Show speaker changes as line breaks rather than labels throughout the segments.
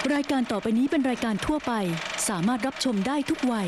รายการต่อไปนี้เป็นรายการทั่วไปสามารถรับชมได้ทุกวัย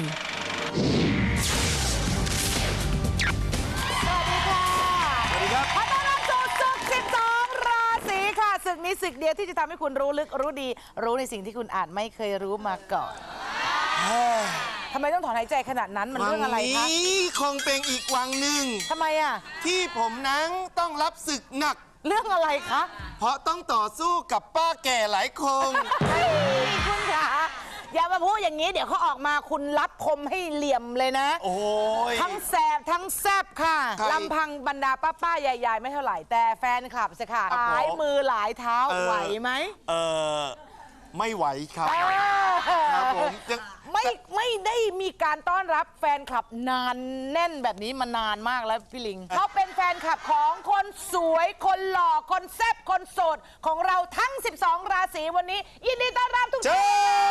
สวัสดีครับขอต้อนรับสู่ศึก12 ราศีค่ะศึกนี้ศึกเดียวที่จะทำให้คุณรู้ลึกรู้ดีรู้ในสิ่งที่คุณอาจไม่เคยรู้มาก่อนทำไมต้องถอนหายใจขนาดนั้นมันเรื่องอะไรคะ
วันี้คงเป็นอีกวังหนึ่ง
ทำไมอ่ะ
ที่ผมนั้นต้องรับศึกหนัก
เรื่องอะไรคะ
เพราะต้องต่อสู้กับป้าแก่หลายคน
คุณคะอย่ามาพูดอย่างนี้เดี๋ยวเขาออกมาคุณรับคมให้เหลี่ยมเลยนะ
โอ้ย
ทั้งแสบทั้งแซบค่ะลำพังบรรดาป้าๆใหญ่ๆไม่เท่าไหร่ แต่แฟนคลับสิค่ะหลายมือหลายเท้าไหวไหม
ไม่ไหวครับครับผมยัง
ไม่ได้มีการต้อนรับแฟนคลับนานแน่นแบบนี้มานานมากแล้วพี่ลิงเขาเป็นแฟนคลับของคนสวยคนหล่อคนแซ่บคนโสดของเราทั้ง12 ราศีวันนี้ยินดีต้อนรับทุกท่าน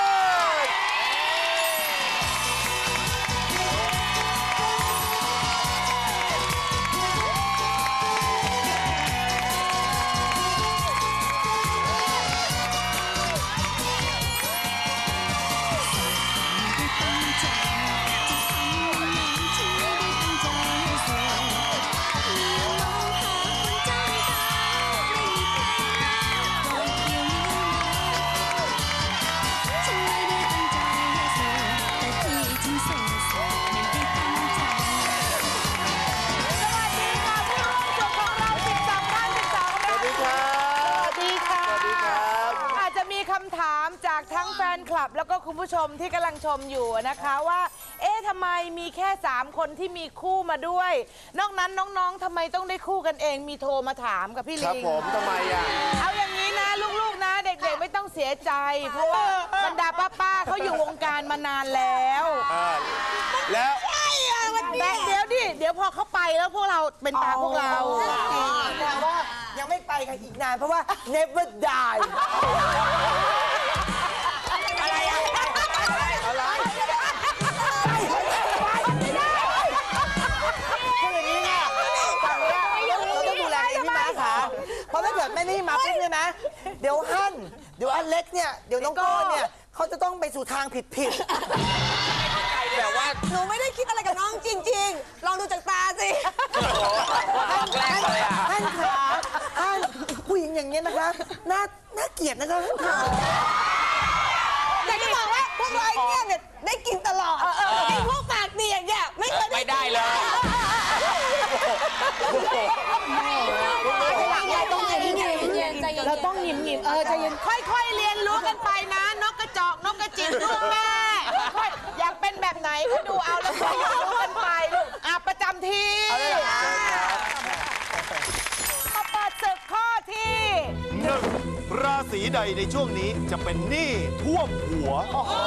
คำถามจากทั้งแฟนคลับแล้วก็คุณผู้ชมที่กำลังชมอยู่นะคะว่าเอ๊ะทำไมมีแค่3คนที่มีคู่มาด้วยนอกนั้นน้องๆทำไมต้องได้คู่กันเองมีโทรมาถามกับพี่ลิง
ครับผมทำไมอ่ะ
เอาอย่างนี้นะลูกๆนะเด็กๆไม่ต้องเสียใจเพราะว่าบรรดาป้าๆเขาอยู่วงการมานานแล้ว
แล้ว
แต่เดี๋ยวพอเขาไปแล้วพวกเราเป็นตาพวกเรา
แต่ว่ายังไม่ไปกันอีกนานเพราะว่า never die
อะไรอะ
อะไร
คืออย่างนี้เนี่ยฝั่งเนี้ยเราต้องดูแลเองพี่ม้าค่ะเพราะถ้าเกิดไม่ได้มาปุ๊บเนี่ยนะเดี๋ยวอันเล็กเนี่ยเดี๋ยวน้องโก้เนี่ยเขาจะต้องไปสู่ทางผิด
แต่ว่าหนูไม่ได้คิดอะไรกับน้องจริงๆลองดูจากตาสิ
ท่านขาท่านผู้หญิงอย่างเงี้ยนะคะน่าเกลียดนะคะท่านขา
แต่จะบอกว่าพวกเราเนี่ยได้กินตลอดไอ้พวกปากดีอย่างเงี้ยไม่เคยได้เลย
เราต้องหยิมใจเย็นค่อยๆเรียนรู้กันไปนะนกกระจอกนกกระจิบลูกแม่ค่อยอยากเป็นแบบไหนก็ดูเอาแล้วค่อยๆรู้กันไปลูกประจำที่มาเปิดศึกข้อที่
1ราศีใดในช่วงนี้จะเป็นหนี้ท่วมหัว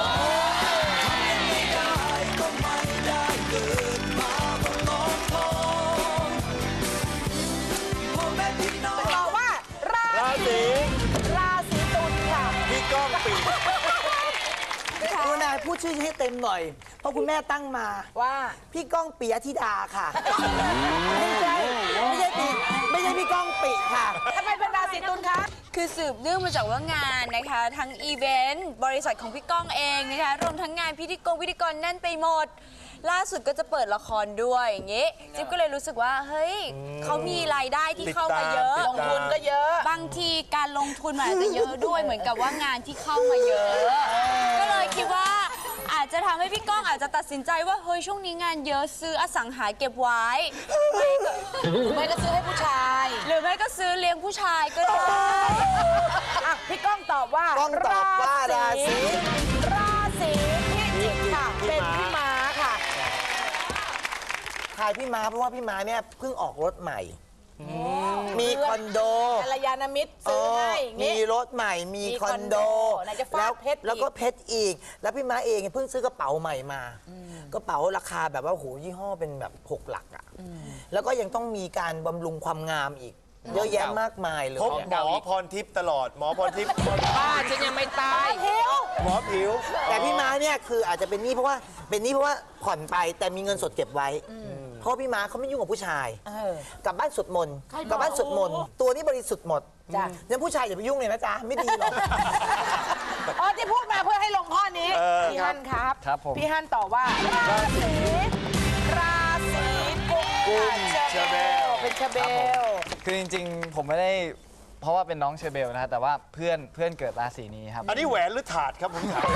บอกว่าราศีตุลค่ะ
พี่ก้องปี
คุณนายพูดชื่อให้เต็มหน่อยเพราะคุณแม่ตั้งมา
ว่า
พี่ก้องปิยธิดาค่ะไม่ใช่พี่ก้องปิค่ะ
ทำไมเป็นราศีตุลคะ
คือสืบเนื่องมาจากว่างานนะคะทั้งอีเวนต์บริษัทของพี่ก้องเองนะคะรวมทั้งงานพิธีกรแน่นไปหมดล่าสุดก็จะเปิดละครด้วยอย่างงี้จิ๊บก็เลยรู้สึกว่าเฮ้ยเขามีรายได้ที่เข้ามาเยอะ
ลงทุนก็เยอะ
บางทีการลงทุนมันอาจจะเยอะด้วยเหมือนกับว่างานที่เข้ามาเยอะก็เลยคิดว่าอาจจะทำให้พี่ก้องอาจจะตัดสินใจว่าเฮ้ยช่วงนี้งานเยอะซื้ออสังหาเก็บไว้
ไม่ก็ซื้อให้ผู้ชาย
หรือไม่ก็ซื้อเลี้ยงผู้ชายก็ได้
พี่ก้องตอบว่าราศีพิจิกค่ะเป็นพี่ม้าค่ะ
ทายพี่ม้าเพราะว่าพี่ม้าเนี่ยเพิ่งออกรถใหม่มีคอนโด
กัลยาณมิตรซื้อให้
มีรถใหม่มีคอนโดแล้วก็เพชรอีกแล้วพี่ม้าเองเพิ่งซื้อกระเป๋าใหม่มากระเป๋าราคาแบบว่าโหยี่ห้อเป็นแบบ6 หลักอ่ะแล้วก็ยังต้องมีการบำรุงความงามอีกเยอะแยะมากมายเลย
พบหมอพรทิพย์ตลอดหมอพรทิพย์
บ้าฉันยังไม่ตาย
หมอผิว
แต่พี่ม้าเนี่ยคืออาจจะเป็นหนี้เพราะว่าผ่อนไปแต่มีเงินสดเก็บไว้ เพราะพี่ม้าเขาไม่ยุ่งกับผู้ชายกลับบ้านสวดมนต์ตัวนี้บริสุทธิ์หมดงั้นผู้ชายอย่าไปยุ่งเลยนะจ๊ะไม่ดีหรอก
อ๋อที่พูดมาเพื่อให้ลงข้อนี้พี่ฮั่นครับ
ครับผม
พี่ฮั่นตอบว่าราศีกุมค่ะเชอร์เบลเป็นเชอร์เบล
คือจริงๆ ผมไม่ได้เพราะว่าเป็นน้องเชอร์เบลนะฮะแต่ว่าเพื่อนเกิดราศีนี้ครับ
อันนี้แหวนหรือถาดครับผมถาม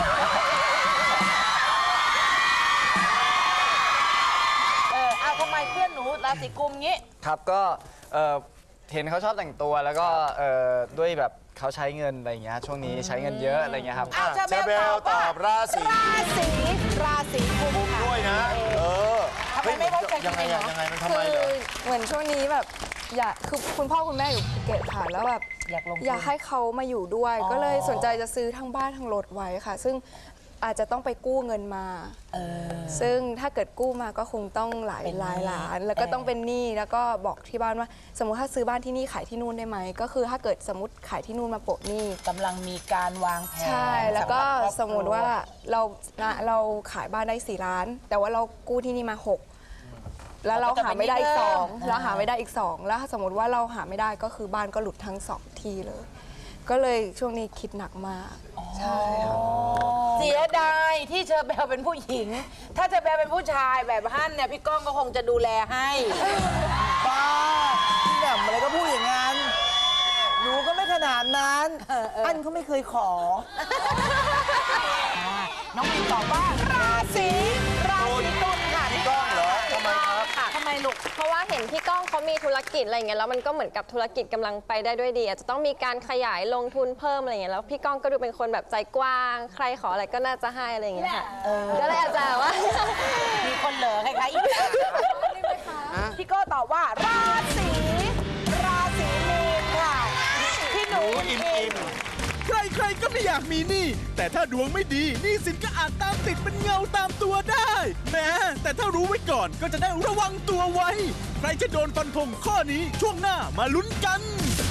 เอาทำไมเพื่อนหนูราศีกุมงี้
ครับก็เห็นเขาชอบแต่งตัวแล้วก็ด้วยแบบเขาใช้เงินอะไรอย่างเงี้ยช่วงนี้ใช้เงินเยอะอะไรอย่างเงี้ยครับ
อ้าวเชอร์เบลตอบ
ราศี
ราศีกุมค่ะ
ด้วยนะ
ทำไมไม่ไว้ใจ
ยังไง
ตัวเอง
อะ
เหรอ
ยังไงมันทำ
คื
ไมเหรอ
เหมือนช่วงนี้แบบคือคุณพ่อคุณแม่อยู่ภูเก็ตค่ะแล้วแบบ
อยากลงทุน
อยากให้เขามาอยู่ด้วย ก็เลยสนใจจะซื้อทั้งบ้านทั้งรถไว้ค่ะ ซึ่งอาจจะต้องไปกู้เงินมาซึ่งถ้าเกิดกู้มาก็คงต้องหลายล้าน แล้วก็ต้องเป็นหนี้แล้วก็บอกที่บ้านว่า สมมติถ้าซื้อบ้านที่นี่ขายที่นู่นได้ไหมก็คือถ้าเกิดสมมติขายที่นู่นมาโปะหนี้
กำลังมีการวางแผน
ใช่แล้วก็
ำหรับครอบครัว
สมมติว่าเราขายบ้านได้4 ล้าน แต่ว่าเรากู้ที่นี่มา6แล้วเราหาไม่ได้อีก2แล้วหาไม่ได้อีก2แล้วถ้าสมมติว่าเราหาไม่ได้ก็คือบ้านก็หลุดทั้ง2ที่เลย ก็เลยช่วงนี้คิดหนักมากใช่ค่ะ
เสียดายที่เชอร์เบลเป็นผู้หญิง ถ้าเชอร์เบลเป็นผู้ชายแบบฮั่นเนี่ยพี่ก้องก็คงจะดูแลให้
บ้าพี่แหม่มอะไรก็พูดอย่างนั้น หนูก็ไม่ขนาดนั้น อันเขาไม่เคยขอ
น้องมินตอบว่าราศีตุลค่ะ
พี่ก้องเหรอทำไมครับ
ทำไมลูก
เพราะว่าเห็นพี่ก้องเขามีธุรกิจอะไรอย่างเงี้ยแล้วมันก็เหมือนกับธุรกิจกำลังไปได้ด้วยดีอาจจะต้องมีการขยายลงทุนเพิ่มอะไรอย่างเงี้ยแล้วพี่ก้องก็ดูเป็นคนแบบใจกว้าง ใครขออะไรก็น่าจะให้อะไรอย่างเงี้ยค่ะก็เลยอาจจะว่า
มีคนเหลือใครๆอีกพี่โก้ตอบว่าราศีมีนค่ะพี่หนู
อิ่ม
ใครๆก็ไม่อยากมีหนี้แต่ถ้าดวงไม่ดีหนี้สินก็อาจตามติดเป็นเงาตามตัวได้แหม้แต่ถ้ารู้ไว้ก่อนก็จะได้ระวังตัวไว้ ใครจะโดนฟันธงข้อนี้ช่วงหน้ามาลุ้นกัน